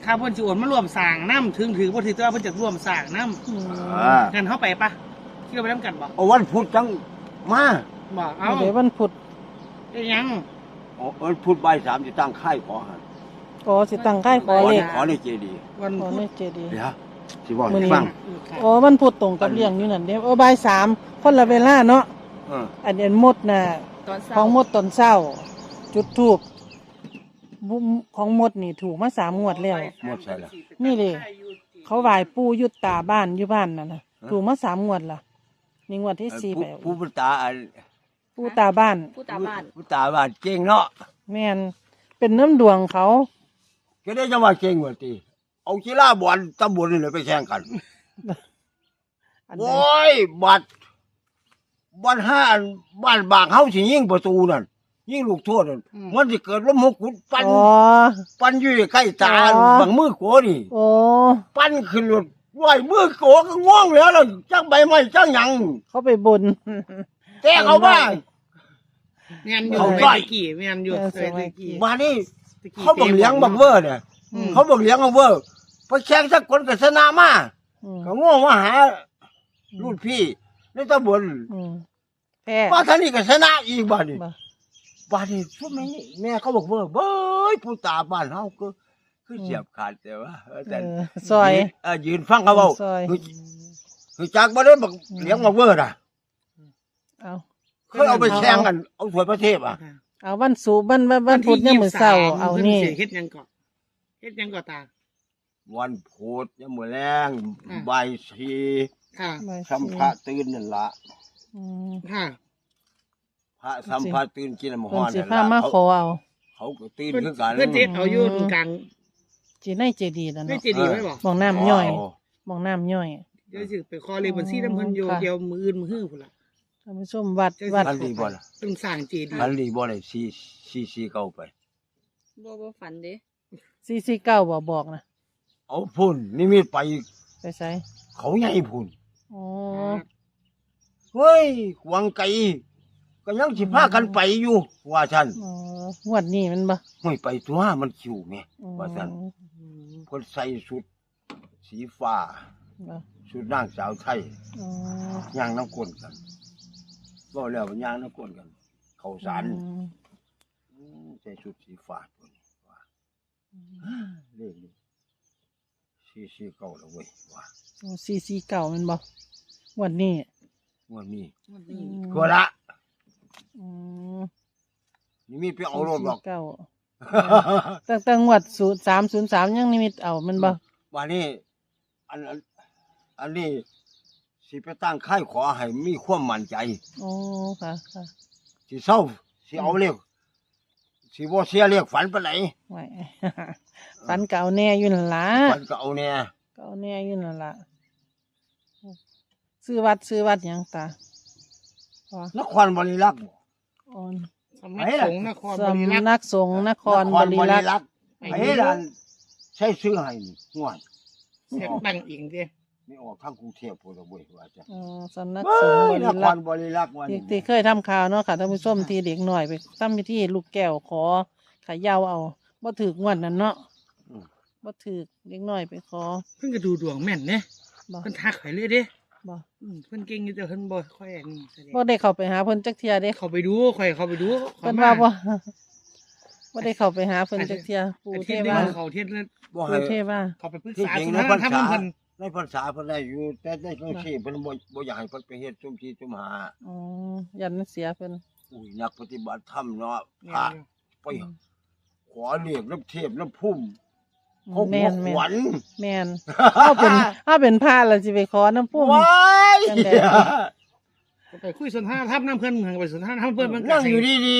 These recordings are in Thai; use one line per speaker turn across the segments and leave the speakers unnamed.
ถ้าเพิ่นสิโอนมารวมสร้างน้ำถึงถือบ่ถือแต่ว่าเพิ่นจะร่วมสร้างน้ำงั้นเฮาไปปะที่เราไปนํกันบ่
เอาวันพุธจังมา
บ่เอา
เดี๋ยววันพุธ
ยัง
วันพุธบ่ายสามจะตั้งค่ายขอหัน
สิตั้งค่ายขอเลข
ขอในเจดีย์
วันพุธ
ในเจดีย์
เดี๋ยวสิบอกให้ฟัง
วันพุธตรงกับเรื่องอยู่นั่นเด้บ่ายสามคนละเวลาเนาะอันนี้มดน่ะของมดตอนเช้าจุดธูปของมดนี่ถูกมา3 งวดแล้ว
หมดใช่ละ
นี่เลยเขาไหว้ปู่ยุตตาบ้านอยู่บ้านนั่นน่ะถูกมา3 งวดล่ะนี่งวดที่4ไป
ปู่ตา
ปู่ตาบ้าน
ปู่ตาบ้านเก่งเนาะ
แม่นเป็นน้ำดวงเขา
ก็ได้จังว่าเก่งกว่าติเอากีฬาบอลตำบลนี่เลยไปแข่งกันโอ้ยบอลห้าบ้านบางเฮาสิยิงประตูนั่นยิงลูกโทษนั่นมันสิเกิดลมหกขุดปั้นอยู่ใกล้ตาบางมือโกนี่ปั้นขึ้นรถว่ายมือโกก็ง่วงแล้วล่ะจักใบไม้จักหยัง
เขาไปบน
แต่เขาว่า
แม่นอยู่ไปกี่แม่นอยู่ไปกี่
มานี่เขาบอกเลี้ยงบักเวอร์เนี่ยเขาบอกเลี้ยงบักเวอร์ไปแข่งสักคนก็ชนะมาก็ง่วงมาหารุ่นพี่ในตำบลว่าท่านี่ก็ชนะอีกบ้านนี่ช่วงนี้แม่เขาบอกว่าเบ้ยผู้ตาบ้านเฮาก็คือเสียบขาดแต่ว่าแต่
ซอย
ยืนฟังเขาเว้าคือจากบ่ได้บักเลี้ยงบักเวอร์น่ะเขาเอาไปแข่งกันเอาถ้วยประเทศ
เอาวันศุกร์วันพุธเนี่ยมื้อเช้าเอานี่
เฮ็ดยังก่อนตา
วันพุธเนี่ยมื้อแรงบ่าย4สัมภาตื่นนั่นล่ะพระสัมภาตื่นกินน้ำฮ้อนนั่นล่ะ
มาขอเอา
เขาก็ตื่นคือกัน
เพิ่นเฮ็ดเอาอยู่กลาง
ในเจดีย์นั่นเนาะ
ในเจดีย์ไว้บ่
มองน้ำย่อยมองน้ำย่อย
เดี๋ยวสิไปขอเลขบัญชีนำเพิ่นอยู่เดี๋ยวมื้ออื่นมื้อฮื้อพุ่นล่ะ
ท่านผู้ชมวัด
อันดีบ่ล่ะ
ต้องสร้างเจดีย์
อันดีบ่ได้4เก่าไป
บ่ฝันเด้
449บ่บอกนะ
เอาพุ่นนิมิตไป
ไส
เขาใหญ่พุ่นเฮ้ยหวังไกลก็ยังสิพากันไปอยู่ว่าซั่น
งวดนี้มันบ่
ห้ยไปตัวมันคิวแม่ว่าซั่นเพิ่นใส่ชุดสีฟ้าชุดนางสาวไทยย่างน้ำก้นกันบ่แล้วย่างน้ำก้นกันเข้าสารใส่ชุดสีฟ้าตัวนี้ว่าเลขนี้449แล้วเว้ยว่า
449มันบ่งวดนี้
ทั่วละนี่มีไปเอารถหรอก
ตั้งงวด0303ยังนิมิตเอามันบ่
ว่านี่อันนี้สิไปตั้งค่ายขอให้มีความมั่นใจ
ค่ะ
สิเศร้าสิเอาเลขสิบ่เสียเลขฝันปานไหน
ฝันเก่าแน่อยู่นั่นล่ะ
ฝันเก่าแน่
อยู่นั่นล่ะซื้อวัดหยังตาน
ครบริรักษ์
สำนักสงฆ์นครบริรักษ์
ไอ้ล่ะใช้ซื้อให้งวด
เสียงดังอีกเด้
นี่ออกทางกรุงเทพพุ่นละเว้ยว่าจ้ะ
สำนักสงฆ์
นครบริรักษ์ว่า
ที่เคยทำข่าวเนาะค่ะท่านผู้ชมที่เด็กหน่อยไปทำพิธีลูกแก้วขอขายาวเอาบ่ถูกงวดนั้นเนาะบ่ถูกเด็กหน่อยไปขอ
เพิ่นก็ดูดวงแม่นเด้เพิ่นทักข่อยเลยเด้บ่เพิ่นเก่งอยู่แต่เพิ่นบ่ค่อยอันนี้
บ่ได้เข้าไปหาเพิ่นจักเที่ยเด้
เข้าไปดูค่อยเข้าไปดู
เพิ่นว่าบ่ได้เข้าไปหาเพิ่นจักเที่ยปู่เทวา
เขาเทศแล้ว
ปู่เทวา
เขาไปปรึกษาสุนทรธรรมเพิ่น
ในภาษาเพิ่นได้อยู่แต่ในจังซี่เพิ่นบ่อยากให้เพิ่นไปเฮ็ดซุ่มที่ซุ่มหา
ยันเสียเพิ่น
นักปฏิบัติธรรมเนาะพระไปขอเรียกน้ำเทพน้ำพุ่มเขาขวัญ
แม่นถ้าเป็นพระแล้วสิไปขอน้ำพุ่ม
ไปคุยสนทนาธรรมน้ำเพิ่นไปสนทนาธรรมเพิ่นมัน
นั่งอยู่ดี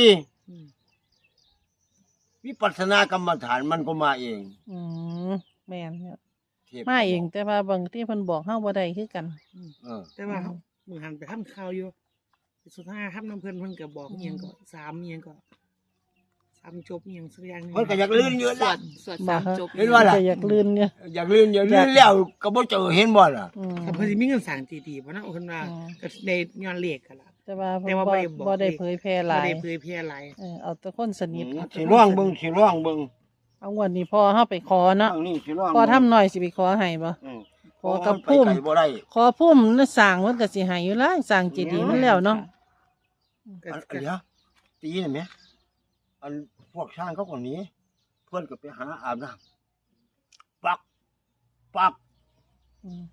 ๆวิปัสสนากรรมฐานมันก็มาเอง
แม่นมาเองแต่ว่าบางที่เพิ่นบอกเฮาบ่ได้คือกัน
แต่ว่ามึงหันไปทำข่าวอยู่สนทนาธรรมน้ำเพิ่นก็บอกอีหยังก็3อีหยังก็3จบอีหยังสักอย่างนึง
เพิ่นก็อยากลื่นอยู่ล่ะ
สวด3จบ
เห็นว่าล่ะ
อยากลื่นเนี่ย
อยากลื่นแล้วก็บ่เจอเห็นบ่ล่ะ
ถ้าเพิ่นสิมีเงินสร้างดีๆบ่นะเพิ่นว่าก็ได้ย้อนเลขกันล่ะ
แต่ว่าบ่ได้เผยแพร่หลาย
บ่ได้เผยแพร่หลาย
เอาแต่คนสนิท
สิร้องเบิ่ง
เอาเอางวดนี้พอเฮาไปขอเนาะ
ทางนี้สิร้อง
พอทำหน่อยสิไปขอให้บ่ ขอกับพุ่ม
ไปไกลบ่ได้
ขอพุ่มแล้วสร้างมันก็สิให้อยู่ล่ะสร้างเจดีย์มันแล้วเนาะ
อันเดี๋ยวตีนี่แหมอันพวกช่างเขาคนนี้ เพิ่นก็ไปหาอาบน้ำปักปัก
อืม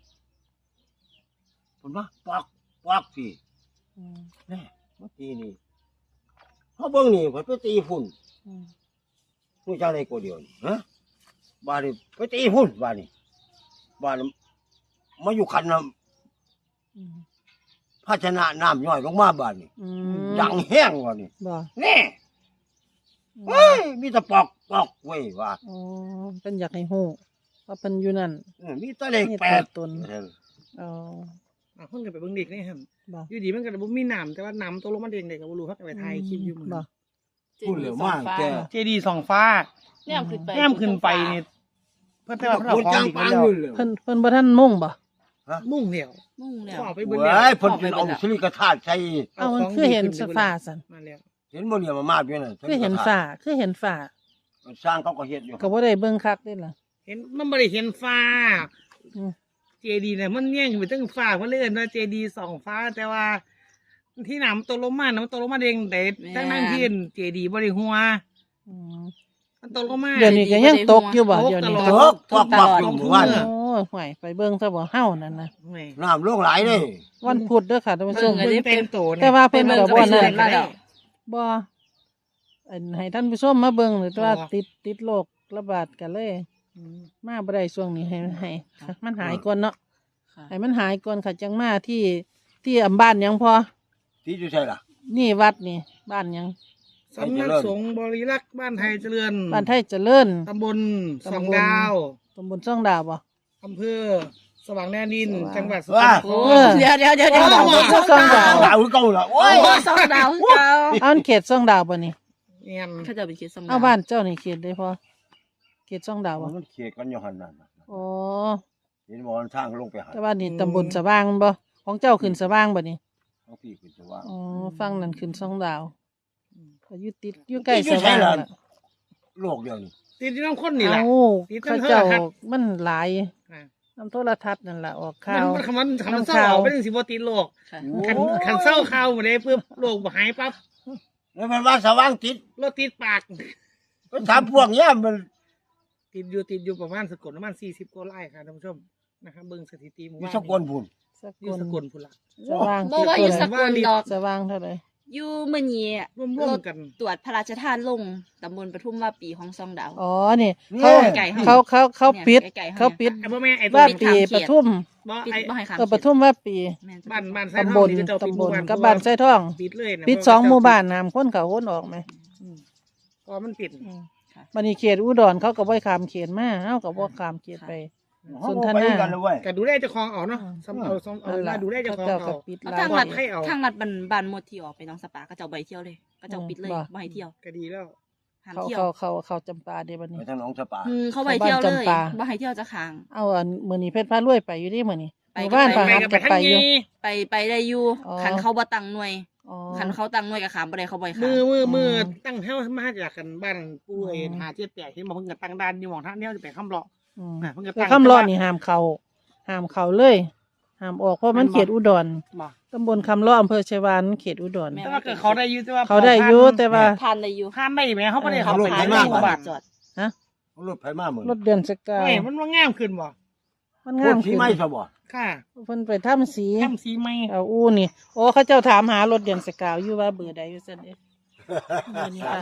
เพิ่นว่าปักปักสิ
อืม
แน่มาตีนี่เฮาเบิ่งนี่เพิ่นไปตีฝุ่น
อืม
ผู้ชายในกูเดียวนี่ฮะบ้านนี้ไปตีฝุ่นบ้านนี้บ้านนี้มาอยู่คันน้
อืม
ำภาชนะน้ำย่อยลงมาบ้านนี้
อืม
ดังแห้งว่ะนี่
บ่
แน่เฮ้ยมีแต่ปอกปอกเว้ยว่า
อ๋อเพิ่นอยากให้ฮู้ว่าเพิ่นอยู่นั่น
มีแต่เลข
มี
แป
ตัว
ด
ตน อ๋อ
เพิ่นก็ไปเบิ่งเด็กนี่หั่น
บ่
อยู่ดีมันก็บ่มีน้ำแต่ว่าน้ำตกลงมาเด้งได้ก็บ่รู้เฮาก็ไปถ่ายคลิปอยู่มื้อ
บ่
พูดเหลือมากแก
เจดีย์สองฟ้า
แนมขึ้นไป
แนมขึ้นไปนี่เพิ่นแต่ว่าเพิ่นเอา
คน
ของ
จ้าง
ดี
ปั
มาง แล้ว
อยู่เลย
เพิ่นบ่ทันมุ่งบ่
มุ่งเดียว
มุ่งแล้ว
ขอไปเบิ่ง
เว้
แล้ว
ยเพิ่นกินเอาสิริกธาตุใส่
เอามันคือเห็นฟ้าซั่น
มาแล้ว
เห็นบ่เนี่ยมามาดอยู่นั่น
คือเห็นฟ้าคือเห็นฟ้า
สร้างเขาก็เฮ็ดอยู่
ก็บ่ได้เบิ่งคักเด้ล่ะ
เห็นมันบ่ได้เห็นฟ้า
อืม
เจดีย์เนี่ยมันแย่งไปตั้งฟ้าเพิ่นเลยเอิ้นว่าเจดีย์สองฟ้า แต่ว่า ที่น้ำตกลงมาน้ำตกลงมาเด้งแต่ทั้งนั้นที่เจดีย์บ่ได้หัว
อืม
มันตกลงมา
เดี๋ยวนี้ก็ยังตกอยู่บ่เดี๋ยวนี้
ต
เถ
ล
อะปอกปอกอยู่หมู่บ้าน
โอ้ยห่วยไปเบิ่งซะบ่เฮานั่นน่ะ
แหม่
น้ำลงหลายเด้
วันพุธเด้อค่ะท่านผู้ชม
เบิ่งเต็มโตเนี่ย
แต่ว่าเพิ่นก็บ่นั่น
มาแล้ว
บ่อันให้ท่านผู้ชมมาเบิ่งหรือว่าติดโรคระบาดกันเลย มาบ่ได้ช่วงนี้ให้มันหายก่อนเนาะ
ค่ะ
ให้มันหายก่อนค่ะจังมาที่อำบ้านหยังพอ
ที่อยู่ใช่ล่ะ
นี่วัดนี่บ้านหยัง
สำนักสงฆ์บริรักษ์บ้านไทยเจริญ
บ้านไทยเจริญ
ตำบลสองดาว
ตำบลช่องดาวบ่
อำเภอสว่างแดนดิน จังหวัดสกล
ว้า
นค
โอ้
ร
เดี๋ยว
ช่องดาวช่องดาว
ดาวคือเก่าล่ะโอ้
โอ้
ย
สองดาวคือเก่า
เอาอันเขตช่องดาวบ่นี่
เนี่ย
เขาจะไปคิดสม
เอาบ้านเจ้านี่เขตได้พอเขตช่องดาวบ่
มันเขียกันอยู่หั่นนั่น
อ๋อ
เห็นบ่มันทางลงไปหา
แต่ว่านี่ตำบลสว่างบ่ของเจ้าขึ้นสว่างบ่นี่
เขาพี่คือจะว่า
อ๋อฟังนั่นขึ้นช่องดาวก็อยู่ติดอยู่ใกล้สว่างล่ะ
โลกเดียวนี่
ติดที่น้ำข้นนี่แหละ
เอ้า
ติด
เขา
น้ำ
เจ้า
โทรทัศน์
มันหลาย
อ่ะ
น้ำโทรทัศน์นั่นล่ะออกข่าว
มันเศร้าออกไปถึงสิบติดโลก
ค่ะ
ขันเศร้าข่าวหมดเลยเพื่อโลกบ่หายปั๊บ
แล้วมันว่าสว่างติด
รถติดปาก
ก็ถามพวกเนี้ยมัน
ติดอยู่ประมาณสกลประมาณ40กว่าไร่ค่ะท่านผู้ชมนะครับเบิ่งสถิติหมู่
มี
บ้าน
สกลพุ่น
ส
อยู่
กล
สกลพุ่นละ
สว่าง
บ่ว่าอยู่สกลดอก
สว่างเท่าไหร่
อยู่มื้อนี้
ร่วมๆกัน
ตรวจพระราชทานลงตำบลปทุมว่าปีของสองดาว
อ๋อนี่
เนี่ย
ไก่ให้
เขาปิด
เนี่ยไก่ๆให้
เขาปิด
ไอ้บ่แม่ไอ้ตัว
ว่า
นี้
ปีปทุม
บ่
ปิด
ไอ้
บ่ให้ขาม
ปทุมว่าปี
แม่น
บ้านไส้
ตำ
ท
บ
อง
ล
นี่จะเจ้าปิด
ตำ
ห
บ
มู่
ล
บ้าน
กับบ้านไส้ทอง
ปิดเลยนะ
ปิด2หมู่บ้านน้ำคนเขาวนออกไหม
ก็มันปิด
บัดนี้เขตอุดรเขาก็บ่ให้ข้ามเขตมาเฮาก็บ่ข้ามเขตไป
เขา
สน
บ่
ท
ไป
นา
กันเลยเว้ย
ก็ดูแลเจ้าของเอาเนาะสำเอามาดูแลเจ้าของ
เจ้าก็
เอา
ปิด
เอา
ร้า
ทาง
น
ลัด
ให้เอา
ทางลัดบ้านหมดที่ออกไปหน้องสปาก็เจ้าใบเที่ยวเลยก็เจ้าปิดเลย
บ่
บ่ให้เที่ยว
ก็ดีแล้ว
ห้าม
เขา
เที่ยว
เขาจำปาเด้บัด
ไป
นี้
ทางหนองสปา
เขาใบเที่ยวเลย
บ้านจำปา
บ่ให้เที่ยวจะค้าง
เอาอันมื้อนี้เพชรพารวยไปอยู่ดิมื้อนี้
ไป
หมู่บ้าน
ก็
พา
ไป
หัดก็ไปอยู่
ไปได้อยู่
อ๋อ
คันเขาบ่ตั้งหน่วย
อ๋อ
คันเขาตั้งหน่วยก็ขามบ่ได้เขาบ่ให้ขาม
มือตั้งเท่ามาจากกันบ้านปู่เอ็นหา78ที่มาเพิ่งกันตั้งด้านอยู่หม่องทางเดียวจะไปค้ำเลาะ
อืม
เพิ่งจะ
แต่
ตั้ง
คำร้อนนี่ห้ามเข้าเลยห้ามออกเพราะมันเขตอุดร
บ่
ตำบลคำร้ออำเภอชัยวานเขตอุดร
แต่ว่าก็เขาได้อยู่แต่ว่า
เขาได้อยู่แต่ว่า
ผ่านได้อยู่
ผ่านได้ไหมเขาไม่ได้เขา
ร
ไป
ถ
ขาย
มาก
หมู่บ้าน
จอด
รถไผมาเหมือน
รถเดือนสกาว
เฮ้ยมันว่างามขึ้นบ่
มัน
ร
งาม
ถที่
ขึ้น
ไม่ซะบ่
ค่ะ
เพิ่นไปทำสี
ทำสีไหม
เอาอู้นี่โอ้เขาเจ้าถามหารถเดือนสกาวอยู่ว่าเบอร์ใดอยู่ซั่นเด้เบอร์นี้ค่ะ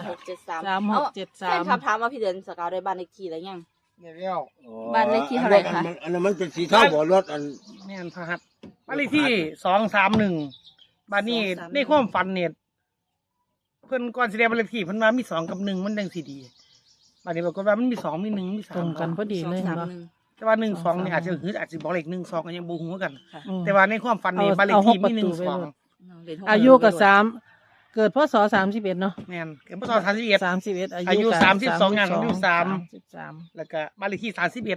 3673
3673
แฟนคลับถามว่าพี่เดือนสกาวได้บ้านเลขที่แล้วยัง
เดี๋ยว
บ้านเลขที่เท่าไหร่คะ
อันนั้นมันเป็นสีเทาบ่รถอัน
แม่นพะครับบ้านเลขที่231บ้านนี้ในความฝันเนี่ยเพิ่นก่อนสิได้บ้านเลขที่เพิ่นว่ามี2กับ1มันจังสิดีบ้านนี้ปรากฏว่ามันมี2มี1มี3
ตรงกันพอดีเลยเห็นบ่
231
แต่ว่า1 2นี่อาจจะอาจสิบอกเลข1 2ก็ยังบ่ฮู้กัน
ค่ะ
อืม
แต่ว่าในความฝันนี่
เอา
บ้านเลขที่
เอาหก
มี
ประตู
1
ไว้เลย
2
อายุก็3เกิดพศ31เนาะ
แม่นเกิดพศ31
31
อายุ
ก็
32อย่างอายุ3
33
แล้วก็บ้านเลขที่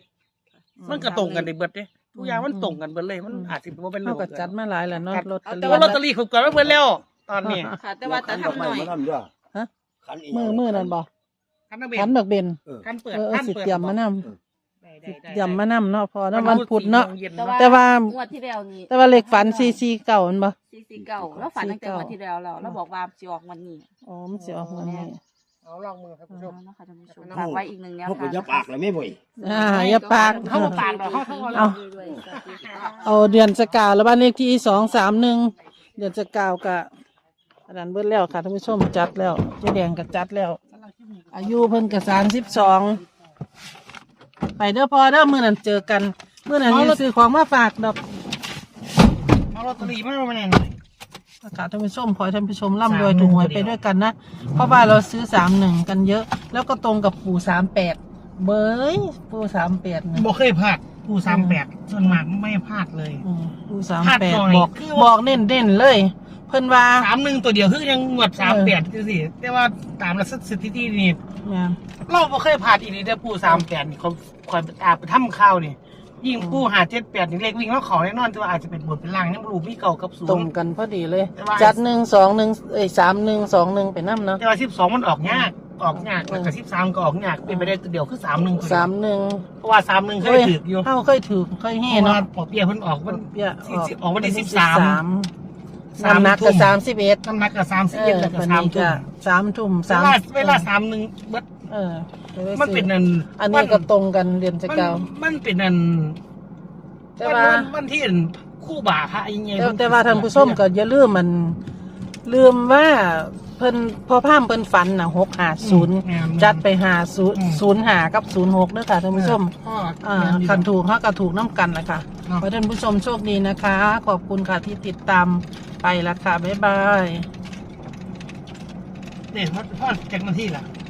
31มันก็ตรงกันได้เบิดเด้ทุกอย่างมันตรงกันเบิดเลยมันอาจสิบ่เป็นเรื่
เฮาก็จัดมาหลายแล้วเนาะลอตเตอ
แต่
รี่
ว่าลอตเตอรี่เขาเกิดมาเบิดแล้วตอนนี้
ค่ะ แต่ว่าแต่ทำหน่อย
คันอี
มือนั่นบ่
อคันนักเบ
ขัน
น
บักเบน
คันเปิด
สิเตรียมมานำ
ได้
เตรียมมานำเนาะพอนะวันพุธเนาะ
ย็
แต่ว่า
งวดที่แล้วนี่
แต่ว่าเลขฝัน449มันบ่
449แล้วฝันตั้งแต่งวดที่แล้วแล้วบอกว่าสิออกวันนี้
อ๋อมันสิออกวันนี้
เอาลองมือครับคุณผู้ชม
นะคะท่านผู้ชมฝากไว้อีกหนึ่งแนว
เขา
ทาง
ก็จะปากเลยไม่บ่อย
อย่าปาก
เขาบ่ปากดอกเขา
เอา เอาเดือนสกาวแล้วบ้านเลขที่231เดือนสกาวกะอันนั้นเบิดแล้วค่ะท่านผู้ชมจัดแล้วเจ๊แดงก็จัดแล้ว อายุเพิ่นก็32ไปเด้อพอเด้อมื้อนั้นเจอกันมื้อนั้นสิซื้อของมาฝากดอก
เอาลอตเตอรี่มาเอามาแน่น
ค่ะท่านผู้ชมขอให้ท่านผู้ชมร่ำรวยถูกหวยไปด้วยกันนะเพราะว่าเราซื้อ31กันเยอะ แล้วก็ตรงกับปู่38เบยปู่38นะ
บ่เคยพลาดผู้38ส่วนมากไม่พลาดเลย
ปู่
พลาดหน่อย
38บอก
คือ
บอกเน้นๆเลย เพิ่นว่า
31ตัวเดียวคือยังงวด38จังซี่แต่ว่าตามสถิตินี่
เนี่ย
เราบ่เคยพลาดอีกเลยแต่ปู่38นี่เขาคอยไปทำข่าวนี่ยิ่งปู่578นี่เลขวิ่งแล้วเขาแน่นอนแต่ว่าอาจจะเป็นบนเป็นล่างยังบ่รู้มีเก่ากับศูนย์
ตรงกันพอดีเลย
แต่ว่า
จัด3121 ไปนํเนาะ
แต่ว่า12มันออกยากแล้วก็13ก็ออกยากเป็นไปได้ตัวเดียวคือ31ตัวเดียว
31
เพราะว่า31เคยถืออยู่
เฮาเคยถือเคย
เพ
เฮ่
ราะว่า
เนาะ
ปอเปียเพิ่นออกวัน
เบี้ย
ออกวันที่13
น้ำหนักก็
ทุ่ม
31
น้ำหนักก็31แล้วก็
วัน
3
นี้
ทุ่
ก็
ม
3 ทุ่ม
เวลา31เบิด
เออ
มันเป็นนั่น
อันนี้ก็ตรงกันเดือนจะเก่า
มันเป็นนั่น
แต่ว่า
วันที่คู่บ่าพระยังไง
แต่ว่าท่านผู้ชมก็อย่าลืมลืมว่าเพิ่นพอพามเพิ่นฝันน่ะ650จัดไป5005กับ06เด้อค่ะท่านผู้ชมคันถูกเฮาก็ถูกน้ำกันนะคะขอให้ท่านผู้ชมโชคดีนะคะ ขอบคุณค่ะที่ติดตามไปละค่ะบ๊ายบาย
เนี่ยพ่อจากนาทีล่ะ